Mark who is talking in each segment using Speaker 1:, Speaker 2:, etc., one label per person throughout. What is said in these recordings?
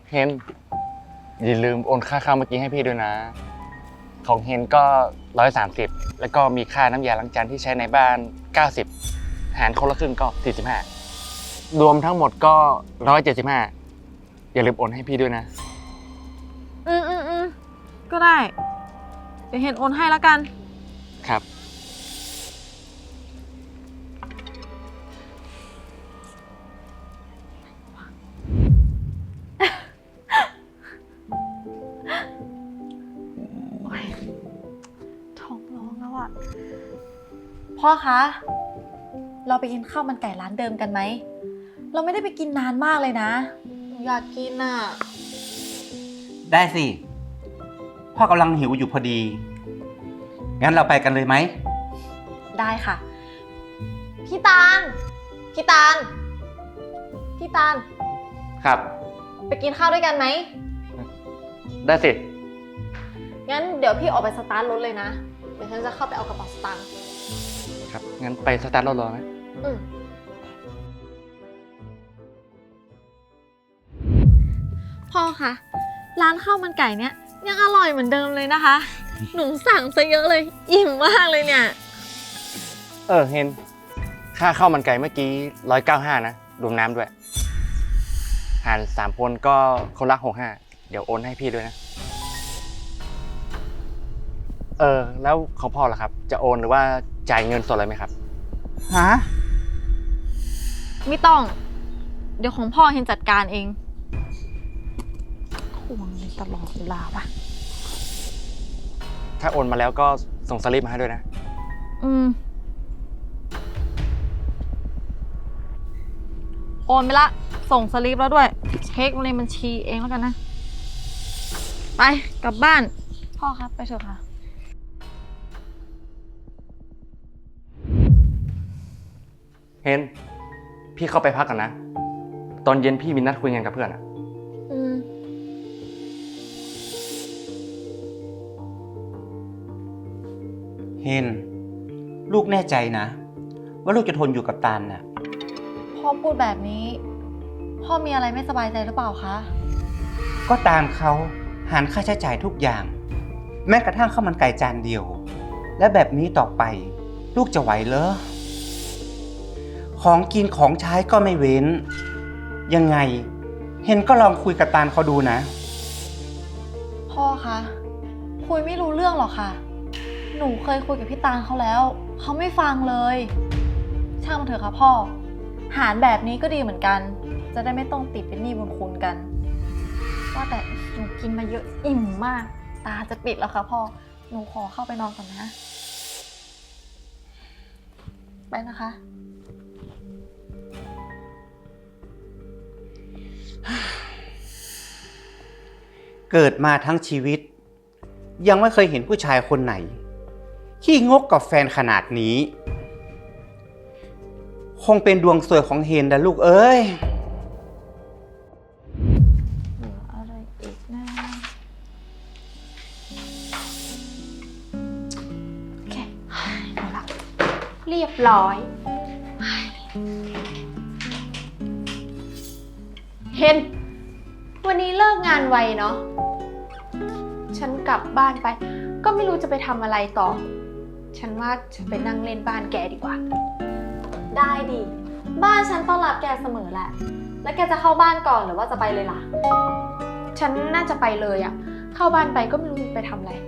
Speaker 1: เฮนอย่าลืมโอนค่าข้าวเมื่อกี้ให้พี่ด้วยนะของเฮนก็130แล้วก็มีค่าน้ำยาล้างจานที่ใช้ในบ้าน90หารคนละครึ่งก็45รวมทั้งหมดก็175อย่าลืมโอนให้พี่ด้วยนะ
Speaker 2: อืมก็ได้เดี๋ยวเห็นโอนให้แล้วกัน
Speaker 1: ครับ
Speaker 2: ท้องร้องแล้วอะพ่อคะ เราไปกินข้าวมันไก่ร้านเดิมกันไหม เราไม่ได้ไปกินนานมากเลยนะอยากกินอะ
Speaker 3: ได้สิพ่อกำลังหิวอยู่พอดีงั้นเราไปกันเลยไหม
Speaker 2: ได้ค่ะ พี่ตาลพี่ตาล
Speaker 1: ครับ
Speaker 2: ไปกินข้าวด้วยกันไหม
Speaker 1: ได้สิ
Speaker 2: งั้นเดี๋ยวพี่ออกไปสตาร์ทรถเลยนะเดี๋ยวฉันจะเข้าไปเอากระเป๋าสตางค์
Speaker 1: ครับงั้นไปสตาร์ทรถรอไหม
Speaker 2: พ่อคะร้านข้าวมันไก่เนี้ยยังอร่อยเหมือนเดิมเลยนะคะ หนูสั่งซะเยอะเลยอิ่มมากเลยเนี่ย
Speaker 1: เฮนค่าข้าวมันไก่เมื่อกี้195นะรวมน้ำด้วยหาร3คนก็คนละ65เดี๋ยวโอนให้พี่ด้วยนะแล้วของพ่อล่ะครับจะโอนหรือว่าจ่ายเงินสดเลยไหมครับ
Speaker 3: ฮะ
Speaker 2: ไม่ต้องเดี๋ยวของพ่อเห็นจัดการเองทวงตลอดเวลาปะ
Speaker 1: ถ้าโอนมาแล้วก็ส่งสลิปมาให้ด้วยนะ
Speaker 2: โอนไปละส่งสลิปแล้วด้วยเช็คในบัญชีเองแล้วกันนะไปกลับบ้านพ่อครับไปเถอะค่ะ
Speaker 1: เฮนพี่เข้าไปพักกันนะตอนเย็นพี่มีนัดคุยงานกับเพื่อนอะ
Speaker 3: เฮนลูกแน่ใจนะว่าลูกจะทนอยู่กับตาลน่ะ
Speaker 2: พ่อพูดแบบนี้พ่อมีอะไรไม่สบายใจหรือเปล่าคะ
Speaker 3: ก็ตามเขาหารค่าใช้จ่ายทุกอย่างแม้กระทั่งข้าวมันไก่จานเดียวและแบบนี้ต่อไปลูกจะไหวเหรอของกินของใช้ก็ไม่เว้นยังไงเฮนก็ลองคุยกับตาลเขาดูนะ
Speaker 2: พ่อคะคุยไม่รู้เรื่องหรอกค่ะหนูเคยคุยกับพี่ตาลเขาแล้วเขาไม่ฟังเลยช่างมันเถอะค่ะพ่อหารแบบนี้ก็ดีเหมือนกันจะได้ไม่ต้องติดเป็นหนี้บุญคุณกันว่าแต่หนูกินมาเยอะอิ่มมากตาจะปิดแล้วค่ะพ่อหนูขอเข้าไปนอนก่อนนะไปนะคะ
Speaker 3: เกิดมาทั้งชีวิตยังไม่เคยเห็นผู้ชายคนไหนขี้งกกับแฟนขนาดนี้คงเป็นดวงสวยของเฮนนะลูกเอ้ย
Speaker 2: เหลืออะไรอีกนะโอเคเอาละเรียบร้อย
Speaker 4: เฮนวันนี้เลิกงานไวเนาะฉันกลับบ้านไปก็ไม่รู้จะไปทำอะไรต่อฉันว่าฉันไปนั่งเล่นบ้านแกดีกว่า
Speaker 2: ได้ดิบ้านฉันต้อนรับแกเสมอแหละแล้วแกจะเข้าบ้านก่อนหรือว่าจะไปเลยล่ะ
Speaker 4: ฉันน่าจะไปเลยอะเข้าบ้านไปก็ไม่รู้จะไปทำอะไร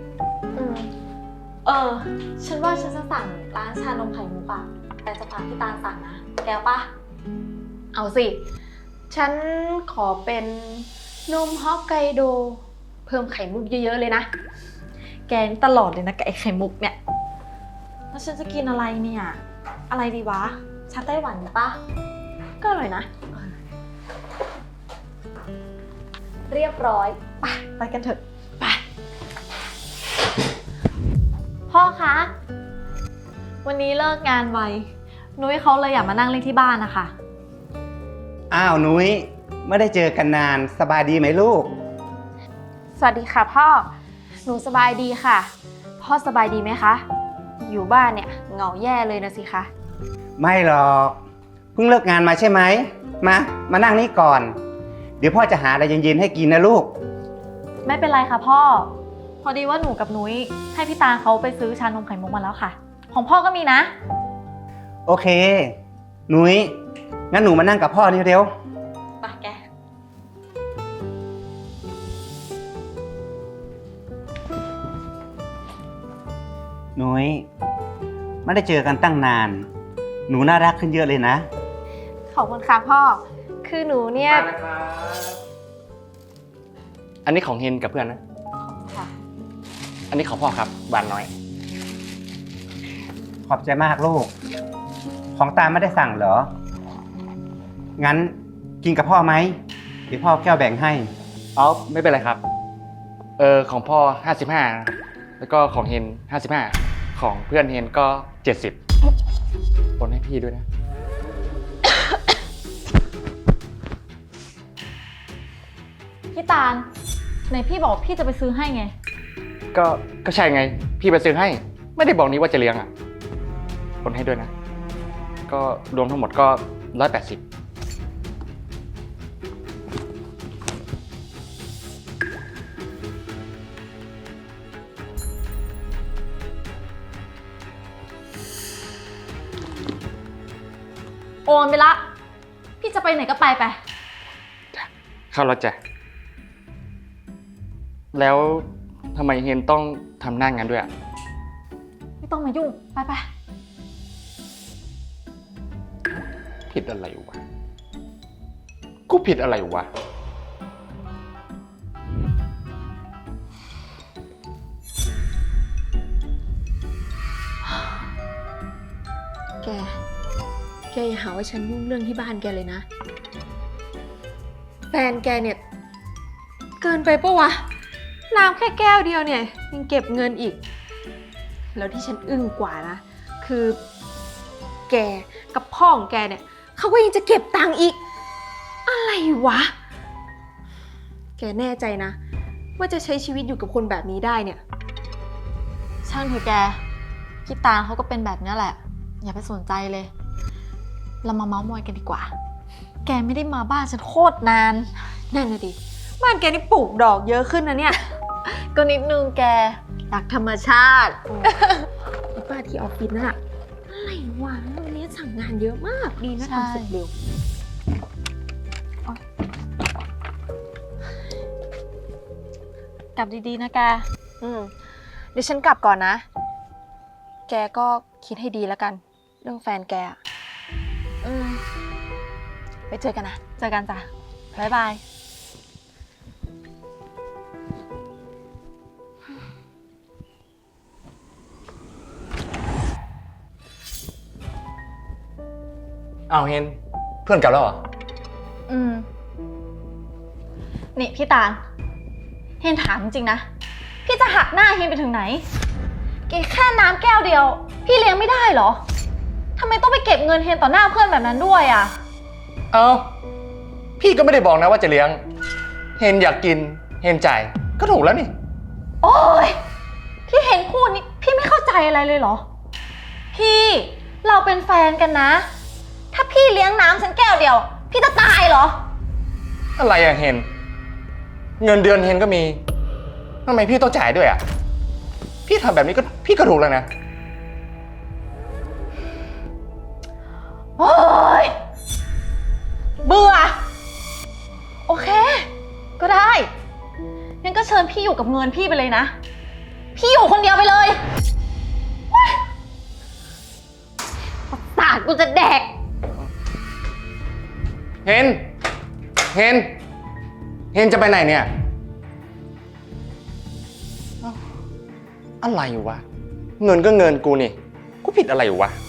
Speaker 2: ฉันว่าฉันจะสั่งร้านชานมไข่มุกอะแต่จะพาพี่ตาลสั่งนะแกปะ
Speaker 4: เอาสิฉันขอเป็นนมฮอกไกโดเพิ่มไข่มุกเยอะๆเลยนะ
Speaker 2: แกตลอดเลยนะกับไอ้ไข่มุกเนี่ยแล้วฉันจะกินอะไรเนี่ยอะไรดีวะชาไต้หวันปะ
Speaker 4: ก็อร่อยนะ
Speaker 2: เรียบร้อยไปกันเถอะ
Speaker 4: ไป
Speaker 2: พ่อคะวันนี้เลิกงานไวนุ้ยเขาเลยอยากมานั่งเล่นที่บ้านนะคะ
Speaker 3: อ้าวนุ้ยไม่ได้เจอกันนานสบายดีไหมลูก
Speaker 4: สวัสดีค่ะพ่อหนูสบายดีค่ะพ่อสบายดีไหมคะอยู่บ้านเนี่ยเหงาแย่เลยนะสิคะ
Speaker 3: ไม่หรอกเพิ่งเลิกงานมาใช่ไหมมานั่งนี่ก่อนเดี๋ยวพ่อจะหาอะไรเย็นๆให้กินนะลูก
Speaker 2: ไม่เป็นไรค่ะพ่อ พอดีว่าหนูกับนุ้ยให้พี่ตาเขาไปซื้อชานมไข่มุกมาแล้วค่ะ ของพ่อก็มีนะ
Speaker 3: โอเค หนุ้ยงั้นหนูมานั่งกับพ่อนี่เร็ว
Speaker 2: ไปแก
Speaker 3: หนุ้ยไม่ได้เจอกันตั้งนาน หนูน่ารักขึ้นเยอะเลยนะ
Speaker 4: ขอบคุณค่ะพ่อ คือหนูเนี่ย
Speaker 1: อันนี้ของเฮนกับเพื่อนนะ
Speaker 2: ค่ะ
Speaker 1: อันนี้ของพ่อครับหวานน้อย
Speaker 3: ขอบใจมากลูก ของตาไม่ได้สั่งเหรอ งั้นกินกับพ่อไหมเดี๋ยวพ่อแก้วแบ่งให้
Speaker 1: อ๋อไม่เป็นไรครับ ของพ่อ 55 แล้วก็ของเฮน 55 ของเพื่อนเฮนก็ 70โอนให้พี่ด้วยนะ
Speaker 2: พี่ตาลไหนพี่บอกพี่จะไปซื้อให้ไง
Speaker 1: ก็ใช่ไง พี่ไปซื้อให้ ไม่ได้บอกนี้ว่าจะเลี้ยงอ่ะโอนให้ด้วยนะ ก็รวมทั้งหมดก็ 180
Speaker 2: โอนไปละ พี่จะไปไหนก็ไปไป
Speaker 1: เข้ารถจ้ะแล้วทำไมเฮนต้องทำหน้างานด้วยอ่ะ
Speaker 2: ไม่ต้องมายุ่ง ไปไป
Speaker 1: ผิดอะไรวะ กูผิดอะไรวะ
Speaker 4: แกอย่าหาว่าฉันยุ่งเรื่องที่บ้านแกเลยนะ แฟนแกเนี่ย เกินไปปะวะ น้ำแค่แก้วเดียวเนี่ยยังเก็บเงินอีก แล้วที่ฉันอึ้งกว่านะ คือแกกับพ่อของแกเนี่ยเขาก็ยังจะเก็บตังค์อีก อะไรวะ แกแน่ใจนะ ว่าจะใช้ชีวิตอยู่กับคนแบบนี้ได้เนี่ย
Speaker 2: ช่างเถอะแก พี่ตาลเขาก็เป็นแบบนี้แหละ อย่าไปสนใจเลย เรามาเมาส์มอยกันดีกว่า แกไม่ได้มาบ้านฉันโคตรนาน
Speaker 4: นั่นน่ะดิ บ้านแกนี่ปลูกดอกเยอะขึ้นนะเนี่ย
Speaker 2: ก็นิดนึงแก
Speaker 4: รักธรรมชาติไอ้ป้าที่ออฟฟิศนั่นอะอะไรวะวันนี้สั่งงานเยอะมากดีนะ
Speaker 2: ใช่
Speaker 4: ทำเสร็จเร็ว
Speaker 2: กลับดีๆนะแก
Speaker 4: เดี๋ยวฉันกลับก่อนนะ แกก็คิดให้ดีแล้วกัน เรื่องแฟนแกอะไปเจอกันนะ
Speaker 2: เจอกันจ้ะ บ๊ายบาย
Speaker 1: อ้าวเฮน เพื่อนเก่าแล้วเหรอ
Speaker 2: นี่พี่ตาล เฮนถามจริงๆนะ พี่จะหักหน้าเฮนไปถึงไหน แค่น้ำแก้วเดียว พี่เลี้ยงไม่ได้เหรอ ทำไมต้องไปเก็บเงินเฮนต่อหน้าเพื่อนแบบนั้นด้วยอ่ะ
Speaker 1: เอ้า พี่ก็ไม่ได้บอกนะว่าจะเลี้ยง เฮนอยากกิน เฮนจ่าย ก็ถูกแล้วนี่
Speaker 2: โอ๊ย ที่เฮนพูดนี่พี่ไม่เข้าใจอะไรเลยเหรอ พี่เราเป็นแฟนกันนะ ถ้าพี่เลี้ยงน้ำฉันแก้วเดียว พี่จะตายเหรอ
Speaker 1: อะไรอะเฮน เงินเดือนเฮนก็มีทำไมพี่ต้องจ่ายด้วยอะพี่ทำแบบนี้ก็พี่ก็ถูกแล้วนะ
Speaker 2: โอ๊ย เบื่อ โอเค ก็ได้งั้นก็เชิญพี่อยู่กับเงินพี่ไปเลยนะ พี่อยู่คนเดียวไปเลยประสาทกูจะแดก
Speaker 1: เฮน เฮน เฮนจะไปไหนเนี่ยเอ้าอะไรวะ เงินก็เงินกูนี่ กูผิดอะไรวะ